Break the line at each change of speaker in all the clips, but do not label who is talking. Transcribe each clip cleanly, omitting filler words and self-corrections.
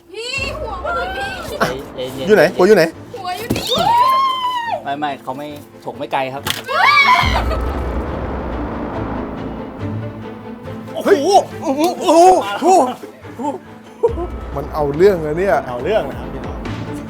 พี่หัวมันพี่
อยู่ไหนหัวอยู่ไหน
หัวอยู่นี่
ไม่เขาไม่ถกไม่ไกลครับ
เฮ้ยโอ้โหมันเอาเรื่องเลยเนี่ยเอาเรื่องนะครับพี่น้อง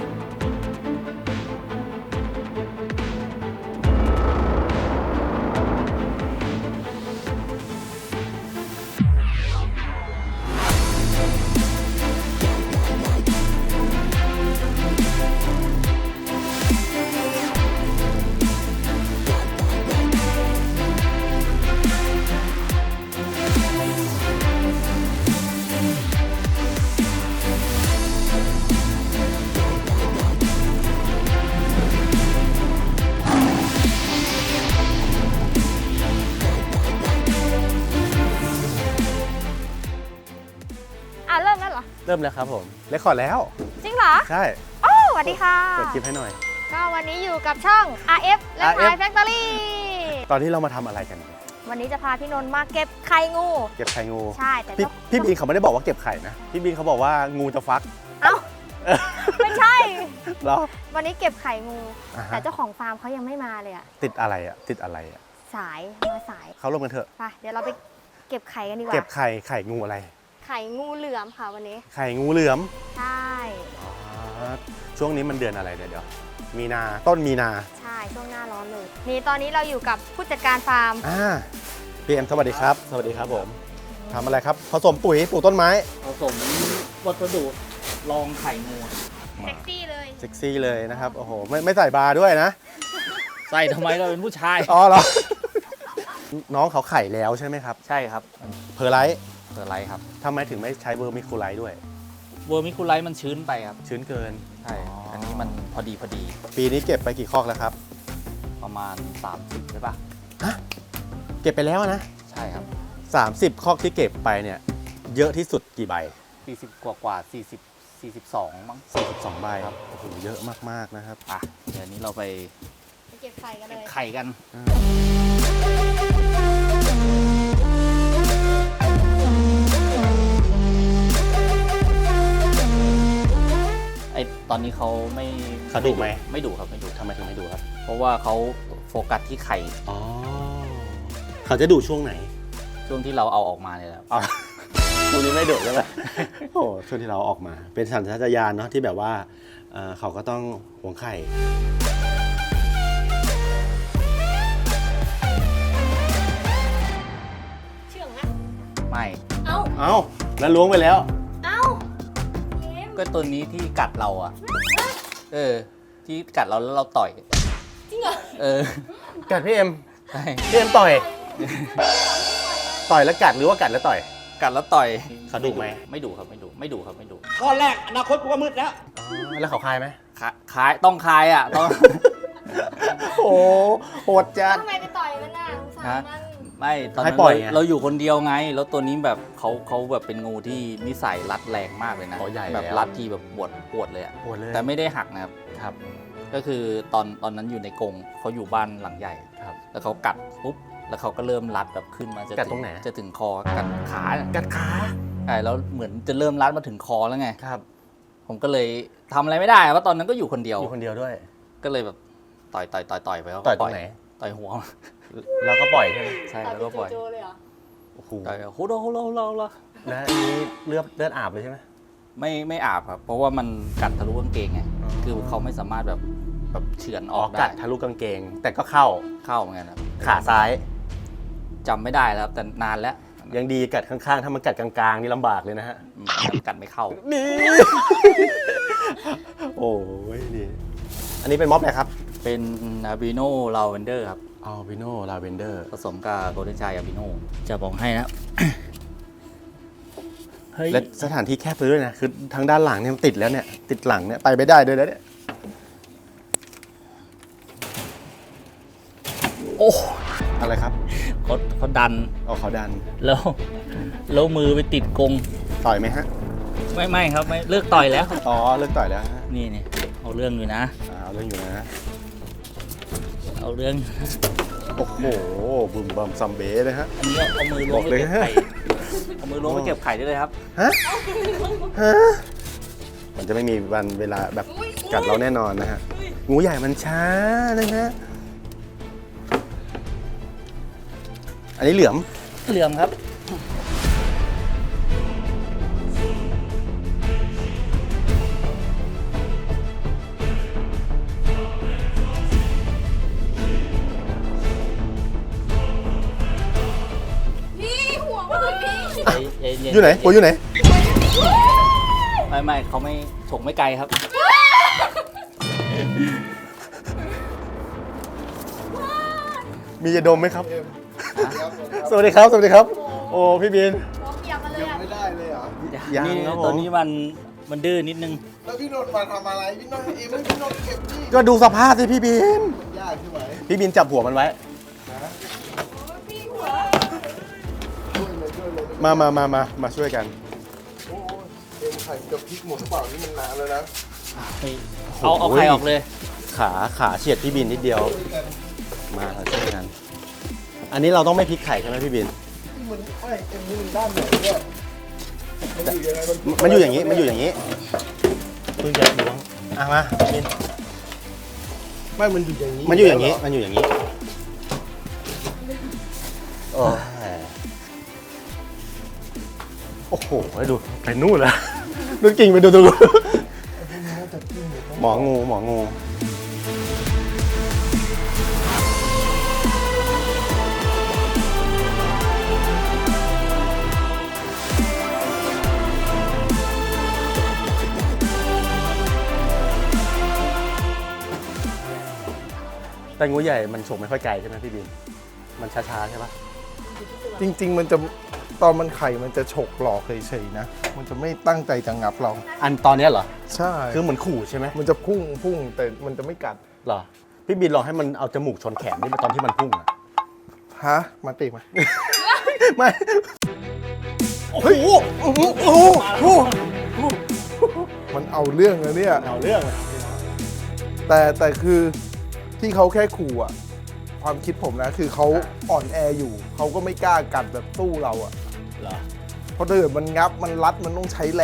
เริ่มแล้วเหรอ
เริ่มแล้วครับผมเรคคอร์ดแล้ว
จริงเหรอ
ใช่
โอ้สวัสดีค่ะ
เปิดคลิปให้หน่อย
ก็วันนี้อยู่กับช่อง RF และ Thai Factory
ตอนที่เรามาทำอะไรกัน
วันนี้จะพาพี่นนท์มาเก็บไข่งู
เก็บไข่งู
ใช่แต่
พี่บีนเขาไม่ได้บอกว่าเก็บไข่นะพี่บีนเขาบอกว่างูจะฟัก
เอ้าไม่ใช่
เหรอ
วันนี้เก็บไข่งู
อ่าฮะ
แต่เจ้าของฟาร์มเขายังไม่มาเลยอะ
ติดอะไรอ่ะติดอะไรอ่ะ
สายมาสาย
เขาลงกันเถอะ
ไปเดี๋ยวเราไปเก็บไข่กันดีกว่า
เก็บไข่งูอะไร
ไข่งูเหลือมค่ะวันนี้
ไข่งูเหลือม
ใช่
ช่วงนี้มันเดือนอะไรเนี่ยเดี๋ยวมีนาต้นมีนา
ใช่ช่วงหน้าร้อนเลยนี่ตอนนี้เราอยู่กับผู้จัดการฟาร์ม
พีเอ็มสวัสดีครับ สวัสดีครับผมทำอะไรครับผสมปุ๋ยปลูกต้นไม้
ผสมวัสดุรองไข่งู
เซ็กซี่เลย
เซ็กซี่เลยนะครับโอ้โหไม่ใส่บาร์ด้วยนะ
ใส่ทำไมเราเป็นผู้ชาย
อ๋อเหรอ น้องเขาไข่แล้วใช่ไหมครับ
ใช่ครับ
เพอร์ไลท์
เกิดอะไรครับ
ทำไมถึงไม่ใช้เวอร์มิคูไลท์ด้วย
เวอร์มิคูไลท์มันชื้นไปครับ
ชื้นเกิน
ใช่ อันนี้มันพอดี
ปีนี้เก็บไปกี่คอกแล้วครับ
ประมาณ 30ใช่ปะ
เก็บไปแล้วนะ
ใช่ครับ
30คอกที่เก็บไปเนี่ยเยอะที่สุดกี่ใบ
40กว่า42มั้ง
42ใบครับโอ้โหเยอะมากๆนะครับ
อ่ะเดี๋ยวนี้เราไป
ไปเก็บไข่กันเลย
ไข่กัน ไอตอนนี้เขาไม่
เขาดุไหม
ไม่ดุครับไม่ดุ
ทำไมถึงไม่ดูครับ
เพราะว่าเขาโฟกัสที่ไข่
อ๋อเขาจะดูช่วงไหน
ช่วงที่เราเอาออกมาเนี่ยแหละ
อ๋อช่วงนี้ไม่ดุใช่ไหม โอ้ช่วงที่เราออกมา เป็นสัญชาตญาณเนาะที่แบบว่าเขาก็ต้องหวงไข่
เชื่องไหม
ไม่
เอ้า
เอ้าแล้วล้วงไปแล้ว
เอ้าเกม
ก็ตัวนี้ที่กัดเราอ่ะ ที่กัดเราแล้วเราต่อย
จริงเหรอ
กัดพี่เอ็ม
ใช่
พี่เอ็มต่อย ต่อยแล้วกัดหรือว่ากัดแล้วต่อย
กัดแล้วต่อย
เขาดุไหม
ไม่ดุครับไม่ดุไม่ดุครับไม่ดุ
ข้อแรกอนาคตกูก็มืดแล้ว
อ๋อแล้วเขาคายไหม
คายต้องคายอ่ะต้อง
โอ้โหดจัด
ทำไมไปต่อยมันน่ะสงสารมัน
ไม่ตอน
ให้
นั้น
ปล่อยไง
เราอยู่คนเดียวไง แล้วตัวนี้แบบเขาแบบเป็นงูที่นิสัยรัดแรงมากเลยนะ
อ๋อใหญ่
แบบ
แล้ว
รัดที่แบบปวดเลยอ่ะ
ปวดเลย
แต่ไม่ได้หักนะครับ
ครับ
ก็คือตอนนั้นอยู่ในกรงเขาอยู่บ้านหลังใหญ่
ครับ
แล้วเขากัดปุ๊บแล้วเขาก็เริ่มรัดแบบขึ้นมาจะ
กัดตรงไหน
จะถึงคอกัดขาเนี่ย
กัดขา
ใช่แล้วเหมือนจะเริ่มรัดมาถึงคอแล้วไง
ครับ
ผมก็เลยทำอะไรไม่ได้เพราะตอนนั้นก็อยู่คนเดียว
อยู่คนเดียวด้วย
ก็เลยแบบต่อยไปเขาก็
ต่อยตรงไหน
ต่อยหัว
แล้วก็ปล่อยใช่ไหม
ใช่แล้วก็ปล่อย
โจเลยเหรอ
โอ้โห
ต่อยโหโหโห
แล้วอันนี้เลือดอาบเลยใช่ไหม
ไม่อาบครับ เพราะว่ามันกัดทะลุกางเกงไง
อ๋อ
คือเขาไม่สามารถแบบเฉือนออก
กั
ได้
ดทะลุกางเกง แต่ก็เข้า
เข้าเหมือนกันครับ
ขาซ้าย
จำไม่ได้แล้วครับแต่นานแล้ว
ยังดีกัดข้างๆ ถ้ามันกัดกลางๆ นี่ลำบากเลยนะฮะ
มันกัดไม่เข้า
นี่ โอ้ยนี่อันนี้เป็นม็อบอะไรครับ
เป็นอาบิโนลาเวนเดอร์ครับ
อัลบิโนลาเวนเดอร์
ผสมกับโกลเด้นชายอาบิโนจะบอกให้นะ เฮ้ย
และสถานที่แคบไปด้วยนะ คือทางด้านหลังเนี่ยมันติดแล้วเนี่ย ติดหลังเนี่ยไปไม่ได้ด้วยแล้วเนี่ย
โอ้
อะไรครับ
เขาดัน
เอาเขาดัน
แล้วมือไปติดกรง
ต่อยไหมฮะ
ไม่ครับไม่เลิกต่อยแล้ว
อ๋อเลิกต่อยแล้วฮะ
นี่เอาเรื่องอยู่นะ
เอาเรื่องอยู่นะ
เอาเรื่อง
โอ้โหบึมบัมซัมเบ้เลยฮะ
อันนี้เอามือล้วงไปเก็บไข่เอามือล้วงไปเก็บไข่ได้เลยครับ
ฮะ ฮะมันจะไม่มีวันเวลาแบบกัดเราแน่นอนนะฮะงูใหญ่มันช้านะฮะอันนี้เหลือม
เหลือมครับ
พี่หัวมันพี่
อยู่ไหนปูอยู่ไหน
ไม่เขาไม่ฉกไม่ไกลครับ
มียาดมไหมครับ สวัสดีครับ สวัสดีครับ โอ้พี่บิน
หัวเปียกมาเลยอ่ะ
ไม่ได้เลยเหรอ
ยัง
นี่
ครับผม
ตัวนี้มันดื้อนิดนึง
แล้วพี่นนท์มาทำอะไร พี่นนท์เองไม่พี่นนท์เก็บนี่
ก็ดูสภาพสิพี่บิน
ยากใช่ไหม
พี่บินจับหัวมันไว้ มาช่วยกัน
โอ้ยเอ็มไข่จะพลิกหมดหรือเปล่านี่มันนานแล้วนะ
เอาไข่ออกเลย
ขาเฉียดพี่บินนิดเดียว มาเราช่วยกัน อันนี้เราต้องไม่พลิกไข่ใช่ไหมพี่บิน
นี่มันไม่เอ็มนี่มันด้านไหนเนี่ยมันอยู่ยังไง
มันอยู่อย่างนี้ มันอยู่อย่างนี้คือจะล้วงมาพี่บิน
ไม่มันอยู่อย่างนี้
มันอยู่อย่างนี้ มันอยู่อย่างนี้โอ้ยโอ้โหดูไปนู่นแล้วดูกิ่งไปดูหมองู แต่งูใหญ่มันฉกไม่ค่อยไกลใช่ไหมพี่บิน มันช้าๆใช่ปะ
จริง ๆ มันจะตอนมันไข่มันจะฉกหลอกเฉยๆนะ มันจะไม่ตั้งใจจะงับเรา
อันตอนเนี้ยเหรอ
ใช่
คือเหมือนขู่ใช่ไหม
มันจะพุ่งแต่มันจะไม่กัด
เหรอ พี่บินลองให้มันเอาจมูกชนแขนนี่ตอนที่มันพุ่งอะ
ฮะ มาติมา
ไม่ เฮ้ยโอ้โห
มันเอาเรื่องเลยเนี่ย
เอาเรื่องอะ
แต่คือที่เขาแค่ขู่อ่ะ ความคิดผมนะคือเขาอ่อนแออยู่ เขาก็ไม่กล้ากัดแบบสู้เราอ่ะ
เหรอ
เพราะถ้าเกิดมันงับมันรัดมันต้องใช้แรง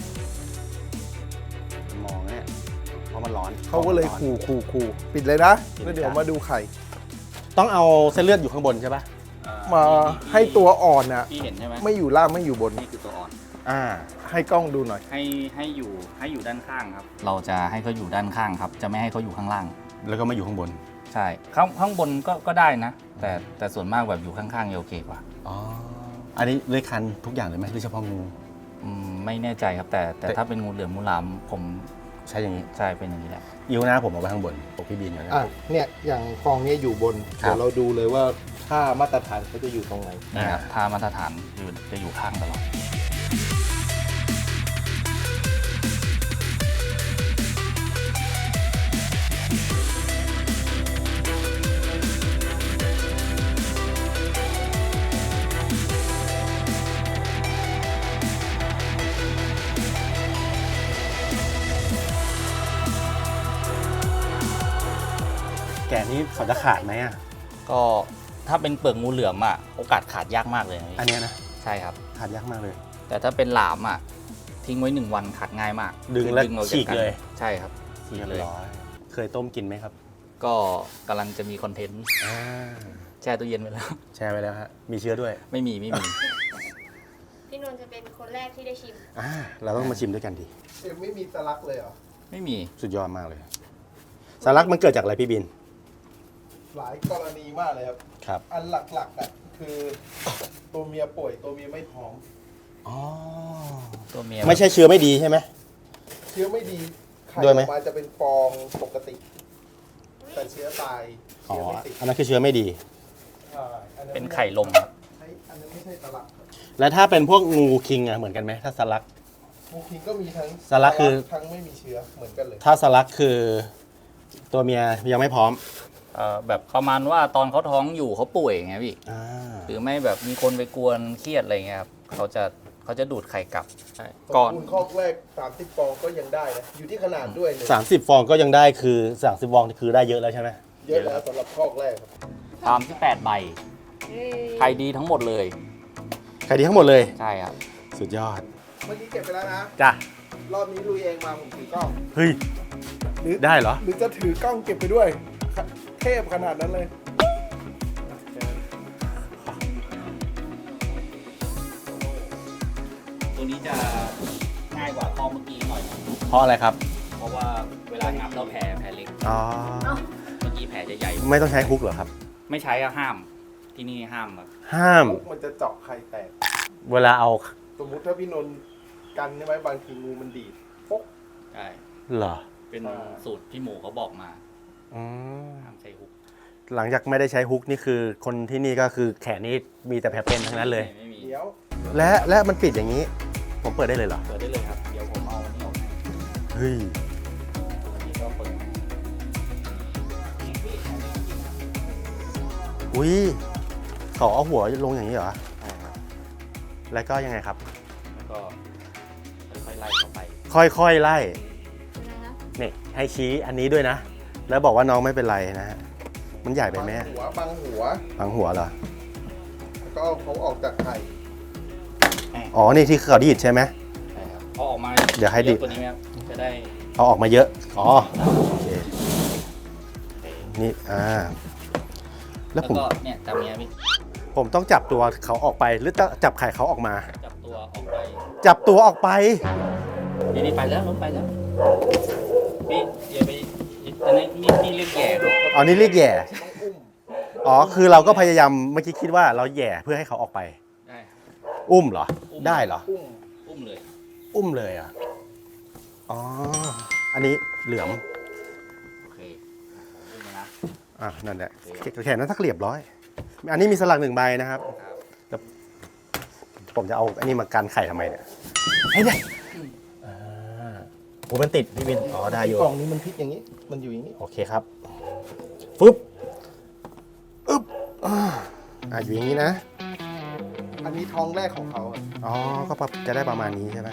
มองเนี่ยเพราะมันร้อน
เขาก็เลยขู่ปิดเลยนะแล้วเดี๋ยวมาดูไข่
ต้องเอาเส้นเลือดอยู่ข้างบนใช่ปะ
มาให้ตัวอ่อนอ่ะ
พี่เห็นใช่ไหม
ไม่อยู่ล่างไม่อยู่บน
นี่คือตัวอ่อน
ให้กล้องดูหน่อย
ให้อยู่ด้านข้างครับ เราจะให้เขาอยู่ด้านข้างครับ จะไม่ให้เขาอยู่ข้างล่าง
แล้วก็มาอยู่ข้างบน
ใช่ข้างบนก็ได้นะ แต่ส่วนมากแบบอยู่ข้างๆจะโอเคกว่า
อ๋อ อันนี้เลื้อยคลานทุกอย่างเลยไหมหรือเฉพาะงู
ไม่แน่ใจครับ แต่ถ้าเป็นงูเหลือมงูหลามผม
ใช่อย่างนี้
ใช่เป็นอย่างนี้แหละ
ยิ้วหน้าผมเอาไว้ข้างบนปกพี่บินอยู่นะ
เนี่ยอย่างฟองนี้อยู่บน
ครับ
เดี๋ยวเราดูเลยว่าค่ามาตรฐานเขาจะอยู่ตรงไหน
นี่ครับถ้ามาตรฐานจะอยู่ข้างตลอด
แกะนี้เขาจะขาดไหมอ่ะ
ก็ถ้าเป็นเปลือกงูเหลือมอ่ะโอกาสขาดยากมากเลยนะพี่
อันเนี้ยนะ
ใช่ครับ
ขาดยากมากเลย
แต่ถ้าเป็นหลามอ่ะทิ้งไว้1 วันขาดง่ายมาก
ดึงแล้ว
ออ
ฉีกเลย
ใช่ครับฉีกเลย
เคยต้มกินไหมครับ
ก็กำลังจะมีคอนเทนต์แช่ตู้เย็นไว้แล้ว
แชร์ไปแล้วฮะ มีเชื้อด้วย
ไม่มี
พี่นนท์จะเป็นคนแรกที่ได้ชิม
เราต้องมาชิมด้วยกันดิ
เอ็มไม่มีสลักเลยเหรอ
ไม่มี
สุดยอดมากเลย สารักมันเกิดจากอะไรพี่บิน
หลายกรณีมากเลยครับ
ครับ
อันหลักๆอ่ะคือตัวเมียป่วยตัวเมียไม่ท้อง
อ๋อ
ตัวเมีย
ไม่ใช่เชื้อไม่ดีใช่ไหม
เชื้อไม่ดีไข่
ด้วย
อ
ไหม
อกมาจะเป็นฟองปกติ แต่เชื้อตาย
อ๋อ
เชื้อไม่ติด
อันนั้นคือเชื้อไม่ดี
อั
เป็นไข่ลมครับ
อันนั้นไม่ใช่สลักครับ
แล้วถ้าเป็นพวกงูคิงอะเหมือนกันไหมถ้าสลัก
มูคิงก็มีทั้ง
สลักคือ
ทั้งไม่มีเชื้อเหมือนกันเลย
ถ้าสลักคือตัวเมียยังไม่พร้อม
แบบประมาณว่าตอนเขาท้องอยู่เขาป่วยไงพี่
อ่า
หรือไม่แบบมีคนไปกวนเครียดอะไรเงี้ยครับเขาจะดูดไข่กลับใช่ก่อน
คูณคอกแรก30ฟองก็ยังได้นะอยู่ที่ขนาดด้วยเลย
30 ฟองก็ยังได้คือ30ฟองคือได้เยอะแล้วใช่ไหม
เยอะแล้วสำหรับคอกแรกครับ
ตามที่8ใบไข่ดีทั้งหมดเลย
ใครดีทั้งหมดเลย
ใช่ครับ
สุดยอด
เมื่อกี้เก็บไปแล้วนะ
จ้ะ
รอบนี้ลุยเองมาผมถือกล้อง
เฮ้ย
หรือ
ได้เหรอ
หรือจะถือกล้องเก็บไปด้วย เทพขนาดนั้นเลย
ตัวนี้จะง่ายกว่าข้อเมื่อกี้หน่อย
เพราะอะไรครับ
เพราะว่าเวลางับแล้วแผลเล็ก
อ๋อ
เมื่อกี้แผลจะใหญ่
ไม่ต้องใช้ฮุกเหรอครับ
ไม่ใช้อะห้าม ที่นี่ห้ามแบบ
ห้าม
มันจะเจาะไข่แตก
เวลาเอา
สมมุติถ้าพี่นนท์กันใช่ไหมบางทีงูมันดีดปุ๊บ
ใช่
เหรอ
เป็นสูตรพี่หมูเขาบอกมา
อืม
ห้ามใช้ฮุก
หลังจากไม่ได้ใช้ฮุกนี่คือคนที่นี่ก็คือแขนนี่มีแต่แผลเป็นทั้งนั้นเลย
ไม่มี
เดี๋ยว
และมันปิดอย่างนี้ ผมเปิดได้เลยเหรอ
เปิดได้เลยครับ เดี๋ยวผมเอาอันนี้ออกให้
เฮ้ย
อันนี้ก็เปิด
อุ้ยเขาเอาหัวลงอย่างนี้เหรอ
ใช่ครับ
แล้วก็ยังไงครับ
แล้วก็ค่อยๆไล่เข้าไป
ค่อยๆไล่นี่ให้ชี้อันนี้ด้วยนะ แล้วบอกว่าน้องไม่เป็นไรนะฮะ มันใหญ่ไปไหม
บังหัว
ฝังหัวเหรอ
แล้วก็เอาเขาออกจากไข่
อ๋อ นี่ที่เขาดีดใช่ไหม
ใช่ครับเอาออกมา
เดี๋ยวให้ดิ
ตัวนี้ไหมครับจะได้
เอาออกมาเยอะ อ๋อ โอเค นี่ แล้
แล้ว ว
ผม
ก็เนี่ยจับเนี้ยพี่
ผมต้องจับตัวเขาออกไป หรือต้องจับไข่เขาออกมา
จับตัวออกไป
จับตัวออกไป
นี่ไปแล้วล้มไปแล้วพี่อย่าไปอันนี้นี่เรียกแย่ครับ
อ๋อ นี่เรียกแย่
ต้องอุ้ม
อ๋อ คือเราก็พยายามเมื่อกี้คิดว่าเราแย่เพื่อให้เขาออกไป
ได้
อุ้มเหรอ ได้เหรอ
อุ้มเลย
อุ้มเลยอ่ะ อ๋อ อันนี้เหลือม
โอเคอุ้มเลยนะ
นั่นแหละแขนนั้นสักเรียบร้อย อันนี้มีสลัก1 ใบนะครับ
ครับ
ผมจะเอาอันนี้มากันไข่ทำไมเนี่ยให้ได้ผมมันติดพี่วิน อ๋อ ได้อยู่
กล่องนี้มันพลิกอย่างนี้ มันอยู่อย่างนี้
โอเคครับ ฟึบอึ๊บอยู่อย่างนี้นะ
อันนี้ท้องแรกของเขาอะ
อ๋อ ก็จะได้ประมาณนี้ใช่ไหม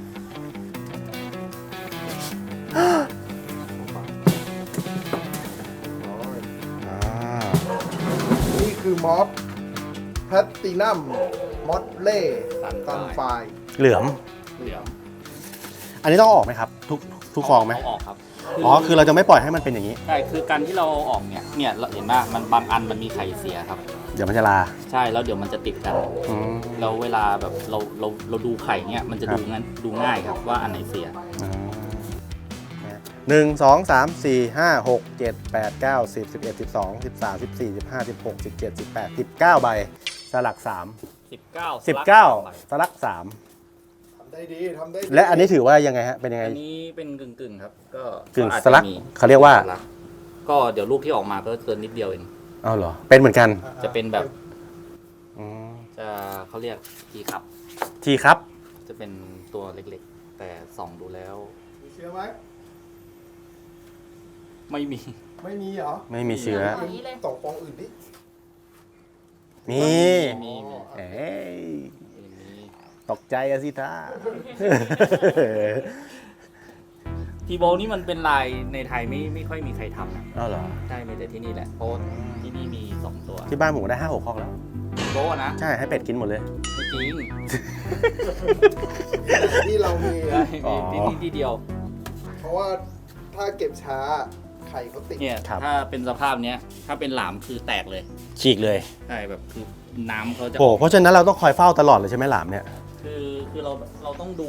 อ่า
นี่คือมอสแพตตินัมมอสเล่ซันไฟ
เหลือม
เหลือม
อันนี้ต้องเอาออกไหมครับ ทุกฟองไหม
เอาออกครับ
อ๋อ คือเราจะไม่ปล่อยให้มันเป็นอย่างนี้
ใช่คือการที่เราเอาออกเนี่ยเราเห็นว่ามันบางอันมันมีไข่เสียครับ
เดี๋ยวมันจะลา
ใช่แล้วเดี๋ยวมันจะติดกัน
อืม
แล้วเวลาแบบเราดูไข่เนี่ยมันจะ
ครับ
ดูง่ายครับว่าอันไหนเสีย
1 2 3 4 5 6 7 8 9 10 11 12 13 14 15 16 17 18 19 ใบ สลัก 3 19 สลัก
ทำได้ดีทำได้ดี
3 และอันนี้ถือว่ายังไงฮะ เป็นยังไง
อันนี้เป็นกึ่งครับก็
กึ่ง
อาจ
สลัก
จะมี
เขาเรียกว่า
สลักก็เดี๋ยวลูกที่ออกมาก็เกินนิดเดียวเอง
เอาเหรอ เป็นเหมือนกัน
จะเป็นแบบ
อืม
จะเขาเรียกทีครับ
ทีครับ
จะเป็นตัวเล็กๆ แต่ส่องดูแล้ว
มีเชื้อไหม
ไม่มี
ไม่มีเหรอ
ไม่มีเชื้อ
สองฟองอื่นดิ
มี
มี
เอ้ยตกใจอะสิท่า
ทีโบนี่มันเป็นลายในไทยไม่ค่อยมีใครทำนะ
เอาเหรอ
ใช่มีแต่ที่นี่แหละเพราะที่นี่มี 2 ตัว
ที่บ้านผมได้ 5-6 คอกแล้ว
ทีโบนะ
ใช่ ให้เป็ดกินหมดเลย
ไม่จริง
ที่เรามี
ใช่
อ๋อ
มีที่นี่ที่เดียว
เพราะว่าถ้าเก็บช้าไข่เขาติด
เนี่ย
ครับ
ถ้าเป็นสภาพเนี้ยถ้าเป็นหลามคือแตกเลย
ฉีกเลย
ใช่แบบคือน้ำเขาจะ
โอ้เพราะฉะนั้นเราต้องคอยเฝ้าตลอดเลยใช่ไหมหลามเนี่ย
คือเราต้องดู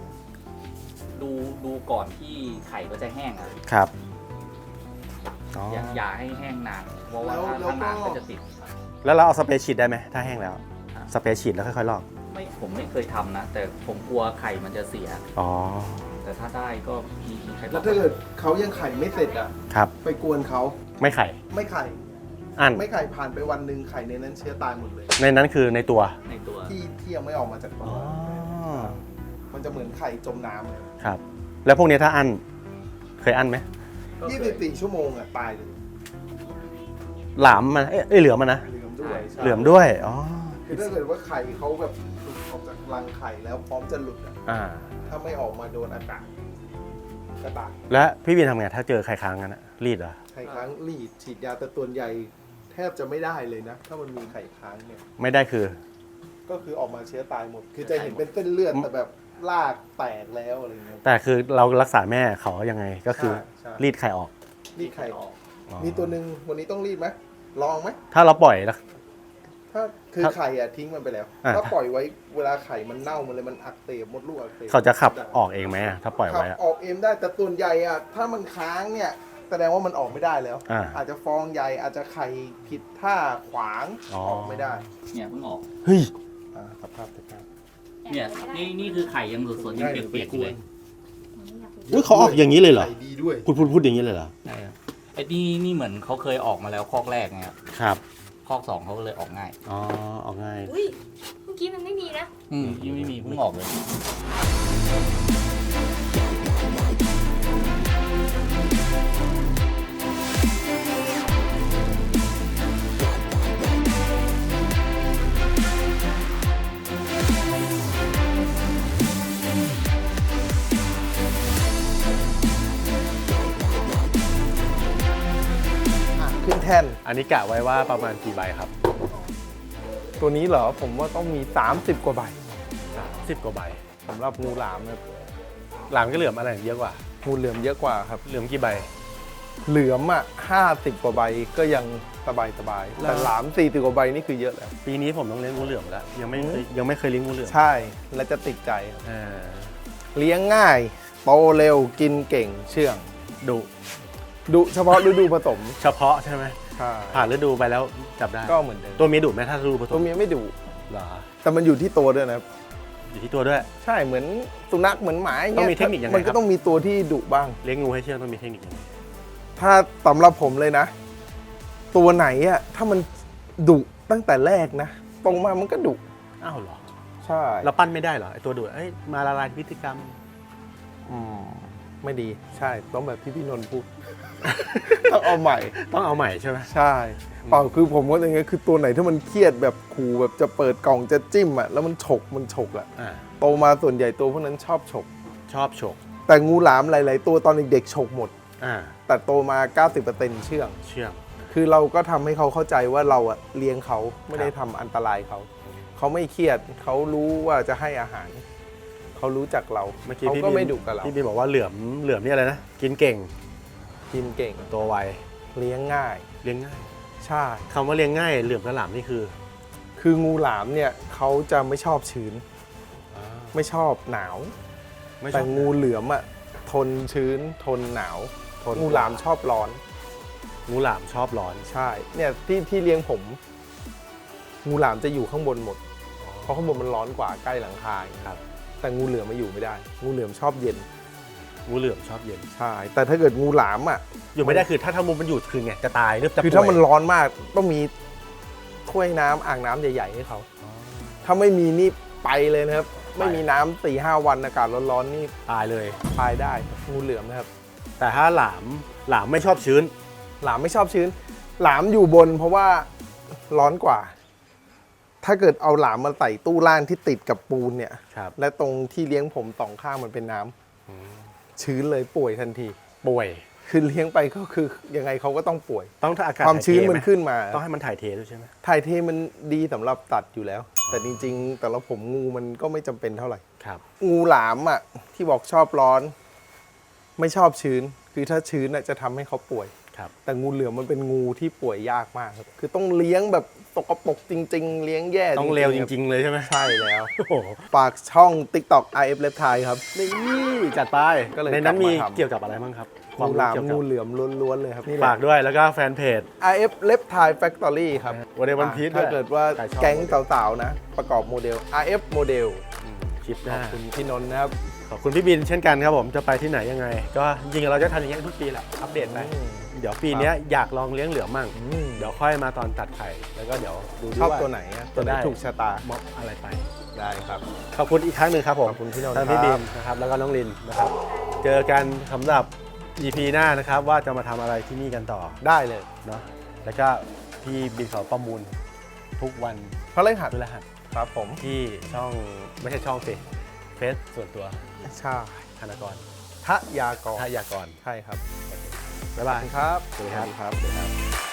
ก่อนที่ไข่ก็จะแห้งอะ
ครับ อ๋อ
อย่าให้แห้งนานเพราะว่าถ้านานก็จะติด
แล้วเราเอาสเปรย์ฉีดได้ไหมถ้าแห้งแล้ว สเปรย์ฉีดแล้วค่อยๆลอก
ผมไม่เคยทำนะ แต่ผมกลัวไข่มันจะเสีย
อ๋อ
แต่ถ้าได้ก็มีใครบ
แล้
อ
ว
ก
ถ้าเกิดเขายังไข่ไม่เสร็จอ่ะ
ครับ
ไปกวนเขา
ไม่ไข่
ไม่ไข่
อัน
ไม่ไข่ผ่านไปวันหนึ่งไข่ในนั้นเชื้อตายหมดเลย
ในนั้นคือในตัว
ในตัว
ที่ยังไม่ออกมาจากตัว
อ๋อ
มันจะเหมือนไข่จมน้ำเลย
ครับ แล้วพวกนี้ถ้าอัน เคยอันไหม
24 ชั่วโมงอ่ะตายเลย
หลามมันเหลือมมันนะ
เหลือมด้วยใช่
เหลือมด้วย อ๋อ
คือถ้าเกิดว่าไข่เขาแบบหลุดออกจากรังไข่แล้วพร้อมจะหลุดอ่ะ
อ่า
ถ้าไม่ออกมาโดนอากาศก็ตาย
และพี่วินทำไงถ้าเจอไข่ค้างกันอะรีดเหรอ
ไข่ค้างรีดฉีดยาแต่ตัวใหญ่แทบจะไม่ได้เลยนะ ถ้ามันมีไข่ค้างเนี่ย
ไม่ได้คือ
ก็คือออกมาเชื้อตายหมด คือจะเห็นเป็นเส้นเลือดแต่แบบลากแตกแล้วอะไรเงี้ย
แต่คือเรารักษาแม่เขายังไงก็คือ
ใช่
รีดไข่ออก
รีดไข่ออก
อ๋อ
มีตัวหนึ่งวันนี้ต้องรีดไหมลองไหม
ถ้าเราปล่อยแล้ว
ถ้าคือไข่อะทิ้งมันไปแล้ว
อ่า
ถ้าปล่อยไว้เวลาไข่มันเน่ามันเลยมันอักเสบมดลูกอักเสบ
เขาจะขับออกเองไหมอะถ้าปล่อย
ขับ
ไว้อะ
ออกเองได้แต่ส่วนใหญ่อะถ้ามันค้างเนี่ยแสดงว่ามันออกไม่ได้แล้ว
อ่า
จจะฟองใหญ่อาจจะไข่ผิดท่าขวาง
อ๋อ
ออกไม่ได้
เนี่ยเพิ่งออก
เฮ้ย
สภาพสภาพ
เนี่ยนี่คือไข่ยังสดๆยังเปียกๆอยู่เลย
เฮ้ยเขาออกอย่างนี้เลยเหรอ
ไข่ดีด้วย
พูดอย่างนี้เลยเหรอ
ใช่ครับไอ้นี่เหมือนเขาเคยออกมาแล้วคอกแรกไงครับ
ครับ
คอกสองเขาก็เลยออกง่าย
อ๋อออกง่าย
อุ้ยเมื่อกี้มันไม่มีนะ
ยังไม่มีเพิ่งออกเลย
ขึ้นแท่น
อันนี้กะไว้ว่าประมาณกี่ใบครับ
ตัวนี้เหรอผมว่าต้องมี 30 กว่าใบ
10 กว่าใบ
สำหรับงูหลามนะ
หลามก็เหลือมอะไรเยอะกว่า
งูเหลือมเยอะกว่าครับ
เหลือมกี่ใบ
เหลือมอ่ะ50 กว่าใบก็ยังสบายแต่หลาม40 กว่าใบนี่คือเยอะแล้ว
ปีนี้ผมต้องเลี้ยงงูเหลือมแล้วยังไม่เคยเลี้ยงงูเหลือม
ใช่และจะติดใจครับ
อ่า
เลี้ยงง่ายโตเร็วกินเก่งเชื่อง ดุเฉพาะฤดูผสม
เฉพาะใช่ไหม
ใช่
ผ่านฤดูไปแล้วจับได้
ก็เหมือนเดิม
ตัวเมียดุไหมถ้าฤดูผส
ตัว
ม
เมียไม่ดุ
เหรอ
แต่มันอยู่ที่ตัวด้วยนะครับ
อยู่ที่ตัวด้วย
ใช่เหมือนสุนัขเหมือนหมาย่า
ต้อง
ย
มีเทคนิคยังไง
มัน
ครั
ก็
บ
ต้องมีตัวที่ดุบ้าง
เลี้ยงงูให้เชื่องต้องมีเทคนิคยังไง
ถ้าสำหรับผมเลยนะ ตัวไหนอะถ้ามันดุตั้งแต่แรกนะตรงมามันก็ดุ
อ้าวเหรอ
ใช่
เราปั้นไม่ได้เหรอไอตัวดุมาละลายพฤติกรรม
ไม่ดีใช่ต้องแบบที่พี่นนท์พูด ต้องเอาใหม่
ต้องเอาใหม่ใช่ไหม
ใช่เปล่าคือผมก็อย่างเงี้ยคือตัวไหนถ้ามันเครียดแบบขู่แบบจะเปิดกล่องจะจิ้มอะแล้วมันฉกอะ
อ่า
โตมาส่วนใหญ่ตัวพวกนั้นชอบฉก
ชอบฉก
แต่งูหลามหลาย ๆ ตัวตอนเด็กๆฉกหมด
อ่า
แต่โตมา 90%เชื่อง
เชื่อง
คือเราก็ทำให้เขาเข้าใจว่าเราอะเลี้ยงเขาไม่ได้ทำอันตรายเขา เขาไม่เครียดเขารู้ว่าจะให้อาหาร เขารู้จักเรา
เมื่อกี้
เขา
พี่
ก็
บิน
ไม่ดุกับเรา
พี่บินบอกว่าเหลือมนี่อะไรนะกินเก่ง
กินเก่ง
ตัวไว
เลี้ยงง่าย
เลี้ยงง่าย
ใช่
คำว่าเลี้ยงง่ายเหลือมกับหลามนี่คือ
คืองูหลามเนี่ยเขาจะไม่ชอบชื้น ไม่ชอบหนาว
ไม่ช
แต่
อบ
งูเหลือมอะทนชื้น ทนหนาว
ทน
งูหลามชอบร้อน
งูหลามชอบร้อน
ใช่ เนี่ยที่เลี้ยงผม งูหลามจะอยู่ข้างบนหมด เพราะข้างบนมันร้อนกว่าใกล้หลังคาอย่างเงี้ย
ครับ
แต่งูเหลือมมาอยู่ไม่ได้ งูเหลือมชอบเย็น
งูเหลือมชอบเย็น
ใช่ แต่ถ้าเกิดงูหลามอ่ะ
อยู่ไม่ได้คือถ้ามุมมันอยู่คือไงจะตายหรือจะ
คือถ้ามัน
ป่วย
ร้อนมากต้องมีถ้วยน้ำอ่างน้ำใหญ่ๆให้เขา ถ้าไม่มีนี่ไปเลยนะครับ ไม่มีน้ำ4-5 วันอากาศร้อนๆนี่
ตายเลย
ตายได้งูเหลือมนะครับ
แต่ถ้าหลามไม่ชอบชื้น
หลามไม่ชอบชื้น หลามอยู่บนเพราะว่าร้อนกว่า ถ้าเกิดเอาหลามมาใส่ตู้ล่างที่ติดกับปูนเนี่ย
ครับ
และตรงที่เลี้ยงผมสองข้างมันเป็นน้ำชื้นเลยป่วยทันที
ป่วย
คือเลี้ยงไปก็คือยังไงเขาก็ต้องป่วย
ต้องถ้าอากาศ
ความชื้น
ถ่ยเท
มัน
ไห
ขึ้นมา
ต้องให้มันถ่ายเทด้วยใช่ไหม
ถ่ายเทมันดีสำหรับตัดอยู่แล้ว แต่จริงๆ แต่ละผมงูมันก็ไม่จำเป็นเท่าไหร่
ครับ
งูหลามอ่ะที่บอกชอบร้อน ไม่ชอบชื้น คือถ้าชื้นน่ะจะทำให้เขาป่วย
ครับ
แต่งูเหลือมมันเป็นงูที่ป่วยยากมากครับ คือต้องเลี้ยงแบบตกปรกจริง ๆ เลี้ยงแย่
ต้องเลวจริง ๆ เลยใช่ไหม
ๆใช่แล้ว
โอ้โห
ฝากช่อง TikTok IF Left Thai ครับ
นี่จัดไป
ก็เลย
ในนั้นมี
กลับมาทำ
เกี่ยวกับอะไรบ้างครับ
งูหลาม
เกี่ยวกับ
งูเหลือมล้วนๆเลยครับนี่แห
ฝา
ละ
กด้วยแล้วก็แฟนเพจ
IF Left Thai Factory ครับ
วันในวันพีช
ถ้าเกิดว่า
ใครชอบ
แก๊งสาวๆนะ ประกอบโมเดล RF โมเดล
คลิปห
ข
น้า
อบคุณพี่นนท์นะครับ
ขอบคุณพี่บินเช่นกันครับผมจะไปที่ไหนยังไง ก็จริงๆเราจะทำอย่างเงี้ยทุกปีแหละอัปเดตไปเดี๋ยวปีเนี้ยอยากลองเลี้ยงเหลือมมั่งเดี๋ยวค่อยมาตอนตัดไข่แล้วก็เดี๋ยวดู
ชอบ
า
ตัวไหนอะตัวไหน
จะได้
ถูกชะตา
เหมาะอะไรไป
ได้ครับ
ขอบคุณอีกครั้งหนึ่งครับผม
ขอบคุณพี่นนท์
ทั้งพี่
ครับ
บินนะครับแล้วก็น้องลินนะครับ เจอกันสำหรับ EP หน้านะครับว่าจะมาทำอะไรที่นี่กันต่อ
ได้เลย
เนาะแล้วก็พี่บินเขาประมูลทุกวัน
เพราะเล่นหัด
พฤหัส
ครับผม
ที่ช่องไม่ใช่ช่องสิเฟซส่วนตัว
ใช่
ธนากร
ทะยากร
ท่ายากร
ใช่ครับ
บ๊ายบาย
ครับ
สวัสดีครับ
สวัสดีครับ